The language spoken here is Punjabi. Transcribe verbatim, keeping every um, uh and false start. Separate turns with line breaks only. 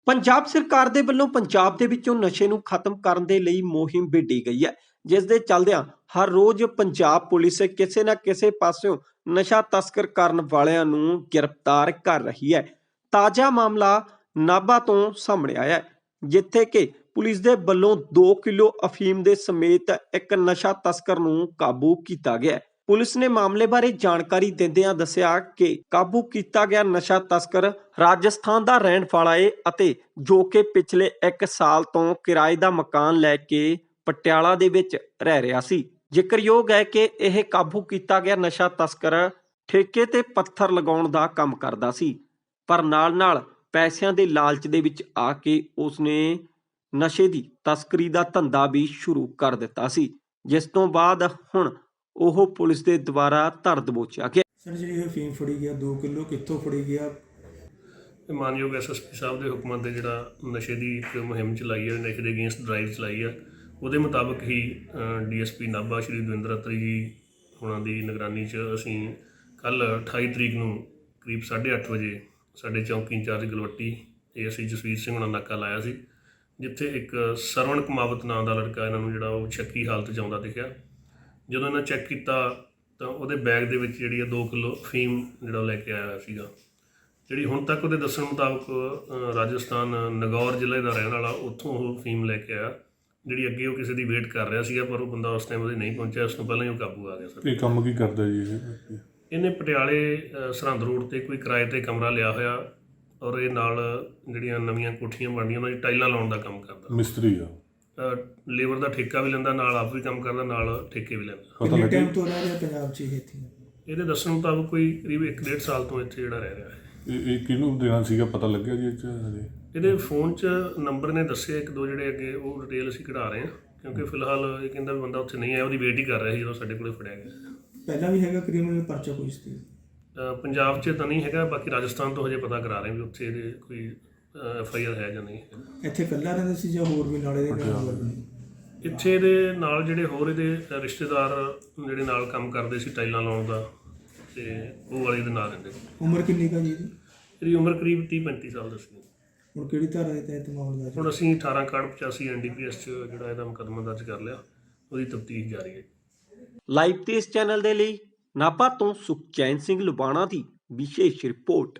ਪੰਜਾਬ ਸਰਕਾਰ ਦੇ ਵੱਲੋਂ ਪੰਜਾਬ ਦੇ ਵਿੱਚੋਂ ਨਸ਼ੇ ਨੂੰ ਖਤਮ ਕਰਨ ਦੇ ਲਈ ਮੁਹਿੰਮ ਵਿੱਢੀ ਗਈ ਹੈ, ਜਿਸ ਦੇ ਚੱਲਦਿਆਂ ਹਰ ਰੋਜ਼ ਪੰਜਾਬ ਪੁਲਿਸ ਕਿਸੇ ਨਾ ਕਿਸੇ ਪਾਸਿਓਂ ਨਸ਼ਾ ਤਸਕਰ ਕਰਨ ਵਾਲਿਆਂ ਨੂੰ ਗ੍ਰਿਫਤਾਰ ਕਰ ਰਹੀ ਹੈ। ਤਾਜ਼ਾ ਮਾਮਲਾ ਨਾਭਾ ਤੋਂ ਸਾਹਮਣੇ ਆਇਆ ਹੈ, ਜਿੱਥੇ ਕਿ ਪੁਲਿਸ ਦੇ ਵੱਲੋਂ ਦੋ ਕਿਲੋ ਅਫੀਮ ਦੇ ਸਮੇਤ ਇੱਕ ਨਸ਼ਾ ਤਸਕਰ ਨੂੰ ਕਾਬੂ ਕੀਤਾ ਗਿਆ ਹੈ। ਪੁਲਿਸ ਨੇ ਮਾਮਲੇ ਬਾਰੇ ਜਾਣਕਾਰੀ ਦਿੰਦਿਆਂ ਦੱਸਿਆ ਕਿ ਕਾਬੂ ਕੀਤਾ ਗਿਆ ਨਸ਼ਾ ਤਸਕਰ ਰਾਜਸਥਾਨ ਦਾ ਰਹਿਣ ਵਾਲਾ ਹੈ ਅਤੇ ਜੋ ਕਿ ਪਿਛਲੇ ਇੱਕ ਸਾਲ ਤੋਂ ਕਿਰਾਏ ਦਾ ਮਕਾਨ ਲੈ ਕੇ ਪਟਿਆਲਾ ਦੇ ਵਿੱਚ ਰਹਿ ਰਿਹਾ ਸੀ। ਜ਼ਿਕਰਯੋਗ ਹੈ ਕਿ ਇਹ ਕਾਬੂ ਕੀਤਾ ਗਿਆ ਨਸ਼ਾ ਤਸਕਰ ਠੇਕੇ ਤੇ ਪੱਥਰ ਲਗਾਉਣ ਦਾ ਕੰਮ ਕਰਦਾ ਸੀ, ਪਰ ਨਾਲ-ਨਾਲ ਪੈਸਿਆਂ ਦੇ ਲਾਲਚ ਦੇ ਵਿੱਚ ਆ ਕੇ ਉਸਨੇ ਨਸ਼ੇ ਦੀ ਤਸਕਰੀ ਦਾ ਧੰਦਾ ਵੀ ਸ਼ੁਰੂ ਕਰ ਦਿੱਤਾ ਸੀ, ਜਿਸ ਤੋਂ ਬਾਅਦ ਹੁਣ ਉਹ ਪੁਲਿਸ ਦੇ ਦੁਆਰਾ ਧਰ ਦਬੋਚਿਆ ਗਿਆ।
ਸਰ ਜਿਹੜੀ ਇਹ ਫੀਮ ਫੜੀ ਗਿਆ ਦੋ ਕਿਲੋ ਕਿੱਥੋਂ ਫੜੀ ਗਿਆ?
ਮਾਨਯੋਗ ਐਸ ਐਸ ਪੀ ਸਾਹਿਬ ਦੇ ਹੁਕਮਾਂ ਤੇ ਜਿਹੜਾ ਨਸ਼ੇ ਦੀ ਇੱਕ ਮੁਹਿੰਮ ਚਲਾਈ ਹੈ, ਨਸ਼ੇ ਦੇ ਅਗੇਂਸਟ ਡਰਾਈਵ ਚਲਾਈ ਹੈ, ਉਹਦੇ ਮੁਤਾਬਕ ਹੀ D S P Nabha Shri Davinder Atri ji ਉਹਨਾਂ ਦੀ ਨਿਗਰਾਨੀ 'ਚ ਅਸੀਂ ਕੱਲ੍ਹ ਅਠਾਈ ਤਰੀਕ ਨੂੰ ਕਰੀਬ ਸਾਢੇ ਅੱਠ ਵਜੇ ਸਾਡੇ ਚੌਂਕੀ incharge Galwatti A S I Jasvir Singh ਉਹਨਾਂ ਨਾਕਾ ਲਾਇਆ ਸੀ, ਜਿੱਥੇ ਇੱਕ ਸਰਵਣ ਕੁਮਾਵਤ ਨਾਂ ਦਾ ਲੜਕਾ ਇਹਨਾਂ ਨੂੰ ਜਿਹੜਾ ਉਹ ਸ਼ੱਕੀ ਹਾਲਤ 'ਚ ਆਉਂਦਾ ਦਿਖਿਆ। ਜਦੋਂ ਇਹਨਾਂ ਚੈੱਕ ਕੀਤਾ ਤਾਂ ਉਹਦੇ ਬੈਗ ਦੇ ਵਿੱਚ ਜਿਹੜੀ ਆ ਦੋ ਕਿਲੋ ਅਫੀਮ ਜਿਹੜਾ ਉਹ ਲੈ ਕੇ ਆਇਆ ਸੀਗਾ, ਜਿਹੜੀ ਹੁਣ ਤੱਕ ਉਹਦੇ ਦੱਸਣ ਮੁਤਾਬਕ ਰਾਜਸਥਾਨ ਨਗੌਰ ਜ਼ਿਲ੍ਹੇ ਦਾ ਰਹਿਣ ਵਾਲਾ, ਉੱਥੋਂ ਉਹ ਅਫੀਮ ਲੈ ਕੇ ਆਇਆ, ਜਿਹੜੀ ਅੱਗੇ ਉਹ ਕਿਸੇ ਦੀ ਵੇਟ ਕਰ ਰਿਹਾ ਸੀਗਾ, ਪਰ ਉਹ ਬੰਦਾ ਉਸ ਟਾਈਮ ਉਹਦੇ ਨਹੀਂ ਪਹੁੰਚਿਆ। ਉਸ ਤੋਂ ਪਹਿਲਾਂ ਹੀ ਉਹ ਕਾਬੂ ਆ ਗਿਆ। ਸਰ
ਇਹ ਕੰਮ ਕੀ ਕਰਦਾ ਜੀ ਇਹ?
ਇਹਨੇ ਪਟਿਆਲੇ ਸਰਹੰਦ ਰੋਡ 'ਤੇ ਕੋਈ ਕਿਰਾਏ 'ਤੇ ਕਮਰਾ ਲਿਆ ਹੋਇਆ, ਔਰ ਇਹ ਨਾਲ ਜਿਹੜੀਆਂ ਨਵੀਆਂ ਕੋਠੀਆਂ ਬਣਦੀਆਂ ਉਹਨਾਂ ਦੀ ਟਾਈਲਾਂ ਲਾਉਣ ਦਾ ਕੰਮ ਕਰਦਾ।
ਮਿਸਤਰੀ ਆ।
ਲੇਬਰ ਦਾ ਠੇਕਾ ਵੀ ਲੈਂਦਾ, ਨਾਲ ਆਪ ਵੀ ਕੰਮ ਕਰਦਾ, ਨਾਲ ਠੇਕੇ ਵੀ ਲੈਂਦਾ।
ਕਿੰਨੇ ਟਾਈਮ ਤੋਂ ਰਹਿ ਰਿਹਾ ਪੰਜਾਬ 'ਚ ਇਹ ਇੱਥੇ?
ਇਹਦੇ ਦੱਸਣ ਮੁਤਾਬਕ ਕੋਈ ਕਰੀਬ ਇੱਕ ਡੇਢ ਸਾਲ ਤੋਂ ਇੱਥੇ ਜਿਹੜਾ ਰਹਿ ਰਿਹਾ ਹੈ।
ਇਹ ਇਹ ਕਿਹਨੂੰ ਦੇਣਾ ਸੀਗਾ, ਪਤਾ ਲੱਗਿਆ ਜੀ? ਹਜੇ
ਇਹਦੇ ਫੋਨ 'ਚ ਨੰਬਰ ਨੇ ਦੱਸੇ ਇੱਕ ਦੋ, ਜਿਹੜੇ ਅੱਗੇ ਉਹ ਡਿਟੇਲ ਅਸੀਂ ਕਢਾ ਰਹੇ ਹਾਂ, ਕਿਉਂਕਿ ਫਿਲਹਾਲ ਇਹ ਕਹਿੰਦਾ ਵੀ ਬੰਦਾ ਉੱਥੇ ਨਹੀਂ ਆਇਆ, ਉਹਦੀ ਵੇਟ ਹੀ ਕਰ ਰਿਹਾ ਸੀ ਜਦੋਂ ਸਾਡੇ ਕੋਲੇ ਫੜਿਆ ਗਿਆ।
ਪਹਿਲਾਂ ਵੀ ਹੈਗਾ ਕ੍ਰਿਮੀਨਲ ਪਰਚਾ ਕੋਈ ਸੀ?
ਪੰਜਾਬ 'ਚ ਤਾਂ ਨਹੀਂ ਹੈਗਾ, ਬਾਕੀ ਰਾਜਸਥਾਨ ਤੋਂ ਹਜੇ ਪਤਾ ਕਰਾ ਰਹੇ ਵੀ ਉੱਥੇ ਇਹਦੇ ਕੋਈ ਐਫ ਆਈ ਆਰ ਹੈ ਜਾਂ ਨਹੀਂ।
ਇੱਥੇ ਇਕੱਲਾ ਰਹਿੰਦਾ ਸੀ ਜਾਂ ਹੋਰ ਵੀ ਨਾਲੇ ਦੇ ਨਾਲ?
ਇੱਥੇ ਇਹਦੇ ਨਾਲ ਜਿਹੜੇ ਹੋਰ ਇਹਦੇ ਰਿਸ਼ਤੇਦਾਰ ਜਿਹੜੇ ਨਾਲ ਕੰਮ ਕਰਦੇ ਸੀ ਟਾਈਲਾਂ ਲਾਉਣ ਦਾ, ਤੇ ਉਹ ਵਾਲੇ ਦੇ ਨਾਲ ਰਹਿੰਦੇ।
ਉਮਰ ਕਿੰਨੀ ਕਾ ਜੀ ਇਹਦੀ?
ਇਹਦੀ ਉਮਰ ਕਰੀਬ ਤੀਹ ਪੈਂਤੀ ਸਾਲ ਦੱਸੀ।
ਹੁਣ ਕਿਹੜੀ ਧਾਰਾ ਦੇ ਤਹਿਤ ਮਾਮਲਾ ਦਰਜ?
ਹੁਣ ਅਸੀਂ ਅਠਾਰਾਂ ਕਾਰਡ ਪਚਾਸੀ ਐਨ ਡੀ ਪੀ ਐਸ 'ਚ ਜਿਹੜਾ ਇਹਦਾ ਮੁਕੱਦਮਾ ਦਰਜ ਕਰ ਲਿਆ, ਉਹਦੀ ਤਫਤੀਸ਼ ਜਾਰੀ ਹੈ।
ਲਾਈਵ ਤੇ ਇਸ ਚੈਨਲ ਦੇ ਲਈ ਨਾਭਾ ਤੋਂ ਸੁਖਚੈਨ ਸਿੰਘ ਲੁਬਾਣਾ ਦੀ ਵਿਸ਼ੇਸ਼ ਰਿਪੋਰਟ।